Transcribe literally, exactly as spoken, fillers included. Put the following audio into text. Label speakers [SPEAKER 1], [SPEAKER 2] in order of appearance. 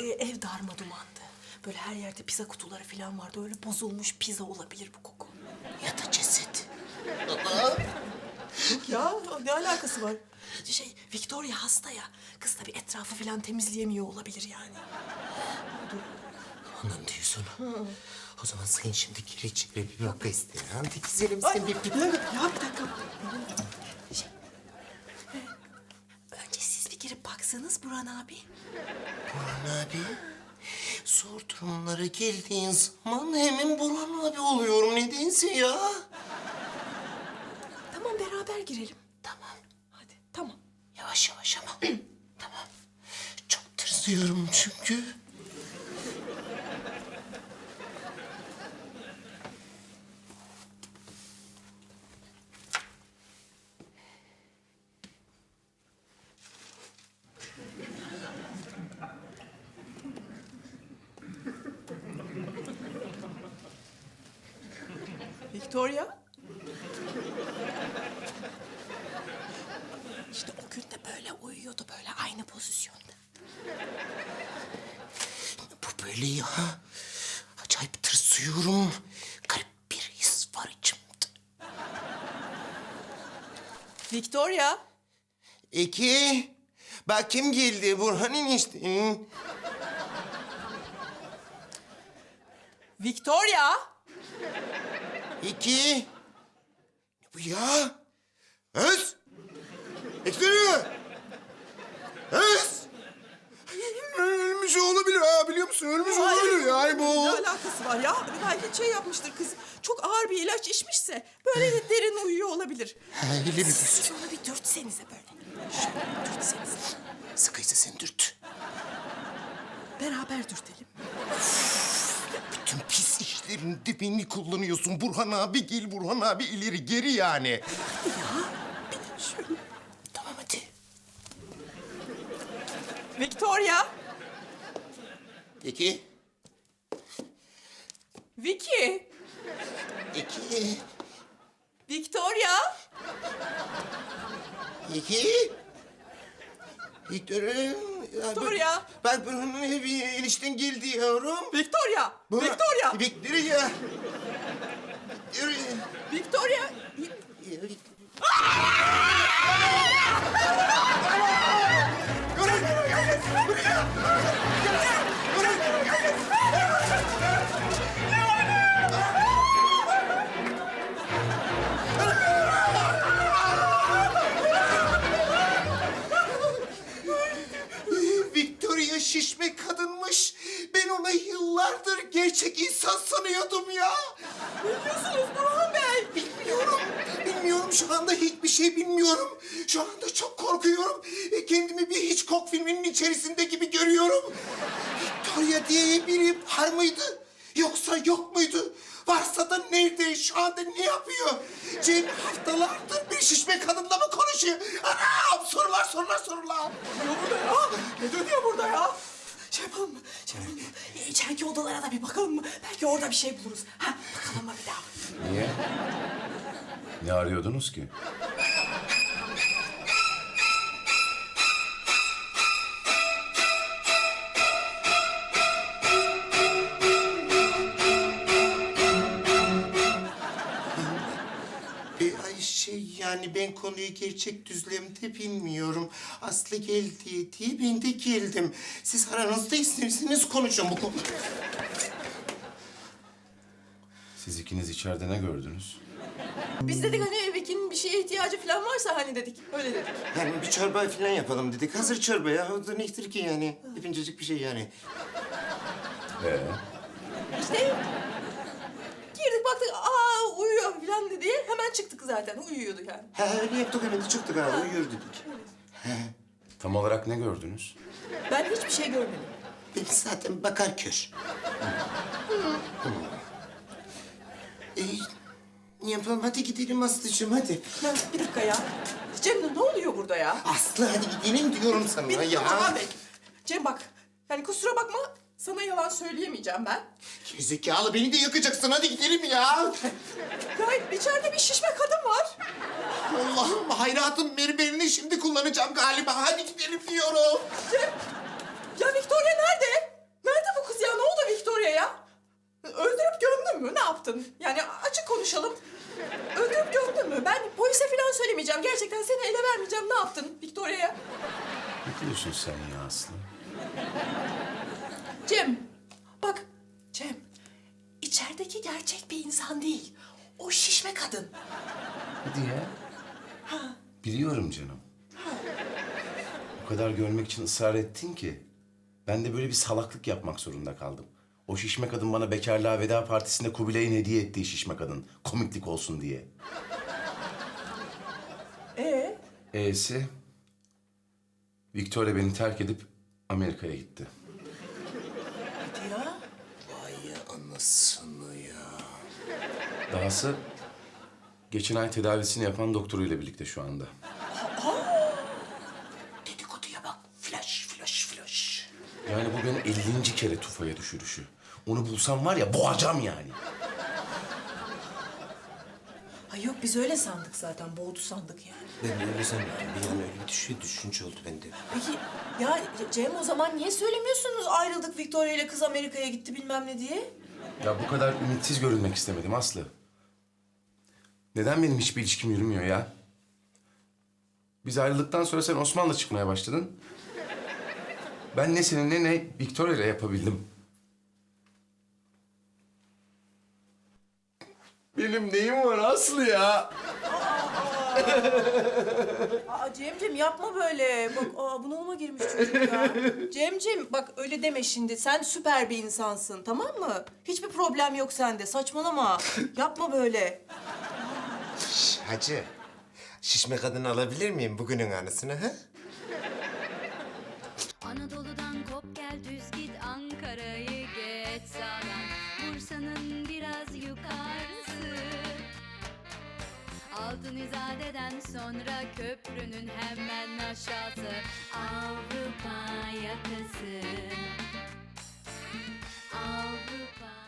[SPEAKER 1] ev darma dumandı. Böyle her yerde pizza kutuları falan vardı. Öyle bozulmuş pizza olabilir bu koku.
[SPEAKER 2] Ya da ceset.
[SPEAKER 1] Ya ne alakası var? Şey, Victoria hasta ya. Kız tabii etrafı falan temizleyemiyor olabilir yani.
[SPEAKER 2] Ondan diyorsun. O zaman sen şimdi gir içeri bir bak ister. Hadi güzelim
[SPEAKER 1] Ay,
[SPEAKER 2] sen bir...
[SPEAKER 1] bir dakika, ya bir dakika. Şey, e, önce siz bir girip baksanız Burhan abi.
[SPEAKER 2] Burhan abi. Zor durumlara geldiğin zaman hemen Burhan abi oluyorum. Nedense ya.
[SPEAKER 1] Tamam, beraber girelim.
[SPEAKER 2] Tamam.
[SPEAKER 1] Hadi, tamam.
[SPEAKER 2] Yavaş yavaş ama. Tamam. Çok tırsıyorum çünkü.
[SPEAKER 1] Victoria. İşte o gün de böyle uyuyordu, böyle aynı pozisyonda.
[SPEAKER 2] Bu böyle ya. Acayip tırsıyorum. Garip bir his var içimde.
[SPEAKER 1] Victoria.
[SPEAKER 2] İki. Bak kim geldi? Burhan'ın işte.
[SPEAKER 1] Victoria.
[SPEAKER 2] İki. Ne bu ya? Öz. Ekleri. Öz. Ölmüş olabilir ha, biliyor musun? Ölmüş olabilir yani bu.
[SPEAKER 1] Ne alakası var ya? Belki şey yapmıştır kız. Çok ağır bir ilaç içmişse böyle de derin uyuyor olabilir.
[SPEAKER 2] Öyle bir
[SPEAKER 1] Siz onu bir dürtsenize böyle. Şöyle dürtsenize.
[SPEAKER 2] Sıkıysa sen dürt.
[SPEAKER 1] Beraber dürtelim.
[SPEAKER 2] Bütün pis işlerinde beni kullanıyorsun. Burhan abi gel, Burhan abi ileri geri yani.
[SPEAKER 1] Ya bir şöyle.
[SPEAKER 2] Tamam hadi.
[SPEAKER 1] Victoria.
[SPEAKER 2] İki.
[SPEAKER 1] Vicky.
[SPEAKER 2] İki.
[SPEAKER 1] Victoria.
[SPEAKER 2] İki. Victor'um.
[SPEAKER 1] Victoria.
[SPEAKER 2] Ben Burhan'ın evi enişten geldi yavrum.
[SPEAKER 1] Victoria.
[SPEAKER 2] Burhan-
[SPEAKER 1] Victoria.
[SPEAKER 2] Victoria. Victoria.
[SPEAKER 1] Victoria.
[SPEAKER 2] Victoria şişme kadınmış. Ben ona yıllardır gerçek insan sanıyordum ya.
[SPEAKER 1] Ne diyorsunuz Burhan Bey?
[SPEAKER 2] Bilmiyorum. Bilmiyorum, şu anda hiçbir şey bilmiyorum. Şu anda çok korkuyorum. E, Kendimi bir Hitchcock filminin içerisinde gibi görüyorum. Victoria diye biri var mıydı? Yoksa yok muydu? Varsa da nerede? Şu anda ne yapıyor? Cem haftalardır bir şişme kadınla mı konuşuyor? Anam! Sorular, sorular, sorular.
[SPEAKER 1] Ne burada ya? Ne dönüyor burada ya? Şey yapalım mı? Şey yapalım mı? E, İçeriki odalara da bir bakalım mı? Belki orada bir şey buluruz. Ha, bakalım mı bir daha?
[SPEAKER 3] Niye? Ne arıyordunuz ki?
[SPEAKER 2] E, ay şey yani ben konuyu gerçek düzlemde bilmiyorum. Aslı geldi diye ben de geldim. Siz aranızda isterseniz konuşun bu konu.
[SPEAKER 3] Siz ikiniz içeride ne gördünüz?
[SPEAKER 1] Biz dedik hani Vicky'nin bir şeye ihtiyacı falan varsa hani dedik. Öyle dedik.
[SPEAKER 2] Yani bir çorba falan yapalım dedik. Hazır çorba ya. O da nedir ki yani? Hepincecik bir şey yani.
[SPEAKER 3] Ee,
[SPEAKER 1] İşte girdik baktık aa uyuyor falan dedi. Hemen çıktık zaten uyuyordu yani.
[SPEAKER 2] Ha öyle yaptık hemen de çıktık ha. Uyuyor dedik.
[SPEAKER 3] tam olarak ne gördünüz?
[SPEAKER 1] Ben hiçbir şey görmedim.
[SPEAKER 2] Ben zaten bakar kör. e, ne yapalım? Hadi gidelim Aslı'cığım hadi.
[SPEAKER 1] Ya, bir dakika ya. Cem ne oluyor burada ya?
[SPEAKER 2] Aslı hadi gidelim diyorum sana
[SPEAKER 1] Bir
[SPEAKER 2] ya.
[SPEAKER 1] Burhan Bey. Cem bak. Yani kusura bakma sana yalan söyleyemeyeceğim ben.
[SPEAKER 2] Gerizekalı beni de yakacaksın. Hadi gidelim ya.
[SPEAKER 1] Ya içeride bir şişme kadın var.
[SPEAKER 2] Allah'ım hayratım mermerini şimdi kullanacağım galiba. Hadi gidelim diyorum.
[SPEAKER 1] Cem. Ya Victoria nerede? Öldürüp gömdün mü? Ne yaptın? Yani açık konuşalım. Öldürüp gömdün mü? Ben polise falan söylemeyeceğim. Gerçekten seni ele vermeyeceğim. Ne yaptın Victoria'ya?
[SPEAKER 3] Ne diyorsun sen ya Aslı?
[SPEAKER 1] Cem, bak Cem. İçerideki gerçek bir insan değil. O şişme kadın.
[SPEAKER 3] Hadi ya. Biliyorum canım. O kadar görmek için ısrar ettin ki ben de böyle bir salaklık yapmak zorunda kaldım. O şişme kadın bana bekarlığa veda partisinde Kubilay'ın hediye ettiği şişme kadın. Komiklik olsun diye.
[SPEAKER 1] Ee?
[SPEAKER 3] E'si Victoria beni terk edip Amerika'ya gitti.
[SPEAKER 1] Hadi ya.
[SPEAKER 2] Vay anasını ya.
[SPEAKER 3] Dahası geçen ay tedavisini yapan doktoruyla birlikte şu anda.
[SPEAKER 2] Dedikoduya bak. Flash, flash, flash.
[SPEAKER 3] Yani bu benim ellinci kere tufaya düşürüşü. Onu bulsam var ya boğacağım yani.
[SPEAKER 1] Ay yok biz öyle sandık zaten. Boğdu sandık yani.
[SPEAKER 2] Ben de öyle zannettim. Bir an öyle bir düşün, düşünce oldu bende.
[SPEAKER 1] Peki ya Cem o zaman niye söylemiyorsunuz ayrıldık Victoria ile kız Amerika'ya gitti bilmem ne diye?
[SPEAKER 3] Ya bu kadar ümitsiz görünmek istemedim Aslı. Neden benim hiçbir ilişkim yürümüyor ya? Biz ayrıldıktan sonra sen Osman'la çıkmaya başladın. Ben ne seninle ne Victoria ile yapabildim. Benim neyim var Aslı ya?
[SPEAKER 1] Aa Cemcim yapma böyle. Bak aa bunalıma girmiş çocuk ya. Cemcim bak öyle deme şimdi. Sen süper bir insansın tamam mı? Hiçbir problem yok sende. Saçmalama. Yapma böyle.
[SPEAKER 2] Şş, hacı. Şişme kadını alabilir miyim bugünün anısını ha?
[SPEAKER 4] Anadolu'dan kop gel düz git Ankara'yı geç sağdan Bursa'nın biraz yukarısı Altın İzade'den sonra köprünün hemen aşağısı Avrupa yakası Avrupa